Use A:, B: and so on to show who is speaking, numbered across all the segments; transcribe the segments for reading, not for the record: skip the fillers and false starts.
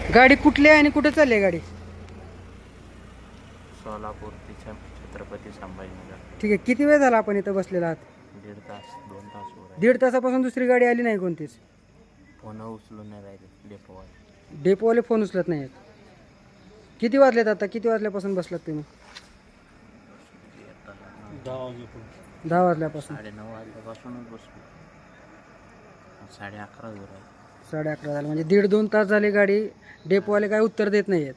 A: गाडी कुठली आहे आणि कुठे चालली आहे गाडी?
B: सोलापूर ते छत्रपती संभाजीनगर.
A: ठीक आहे, किती वेळ झाला आपण इथं बसलेला आहात?
B: 1.5 तास 2 तास वर आहे.
A: 1.5 तासापासून दुसरी गाडी आली नाही कोणतीच?
B: फोन उचलून नाही राहिले डेपोवाले.
A: डेपोवाले फोन उचलत नाही आहेत. किती वाजलेत आता? किती वाजल्यापासून बसलात तुम्ही? 10 वाजल्यापासून.
B: 9:30 वाजल्यापासूनच बसलो. 11:30 वर आहे.
A: 11:30 झालं म्हणजे 1.5-2 तास झाले गाडी. डेपोवाले काय उत्तर देत नाही आहेत.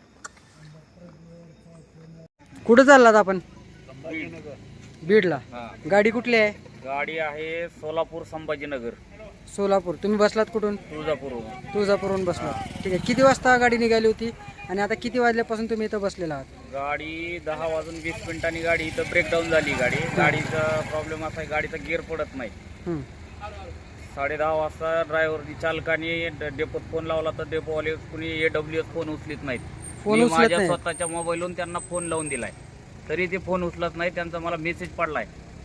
A: कुठं चाललात आपण? बीडला. गाडी कुठली आहे?
C: गाडी आहे सोलापूर संभाजीनगर.
A: सोलापूर. तुम्ही बसलात कुठून?
C: तुळजापूरहून.
A: तुळजापूरहून बसलात. ठीक आहे, किती वाजता गाडी निघाली होती आणि आता किती वाजल्यापासून तुम्ही इथं बसलेला आहात?
C: गाडी 10:20 गाडी इथं ब्रेकडाऊन झाली. गाडीचा प्रॉब्लेम असा आहे, गाडीचा गिअर पडत नाही. 10:30 वाजता ड्रायव्हरनी चालकाने डेपोत फोन लावला तर डेपोवाले कुणी AWS फोन उचलीत नाहीत.
A: फोन
C: मी
A: उचलत
C: माझ्या
A: नाही.
C: स्वतःच्या मोबाईलवरून त्यांना फोन लावून दिलाय, तरी ते फोन उचलत नाही. त्यांचा मला मेसेज पडलाय.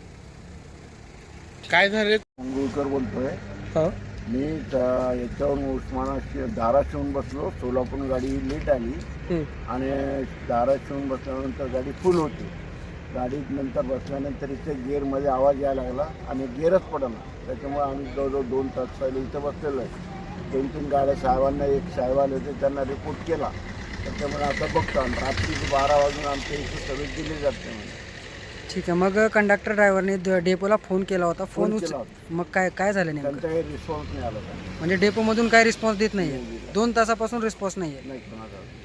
A: काय झाले?
D: मंगळूरकर बोलतोय.
A: हो.
D: मी याच्यावरून उस्मानाशी धाराशिवून बसलो. सोलापूर गाडी लेट आली आणि धाराशिवून बसल्यानंतर गाडी फुल होती. गाडीत नंतर बसल्यानंतर इथे गिअरमध्ये आवाज यायला लागला आणि गिअरच पडला. त्याच्यामुळे आम्ही जवळजवळ 2 तास पहिले इथं बसलेलो आहे. 2-3 गाड्या साहेबांना, एक साहेब आले होते, त्यांना रिपोर्ट केला. त्याच्यामुळे आता बघतो आणि रात्री 12 वाजून आमच्या इथे सगळे दिले जाते.
A: ठीक आहे, मग कंडक्टर ड्रायव्हरने डेपोला फोन केला होता. फोन
D: केला
A: मग काय काय झालं नेमकं?
D: त्यांचा काही रिस्पॉन्स नाही आला.
A: म्हणजे डेपोमधून काय रिस्पॉन्स देत नाही? 2 तासापासून रिस्पॉन्स नाही आहे.
D: नाही कोणाचा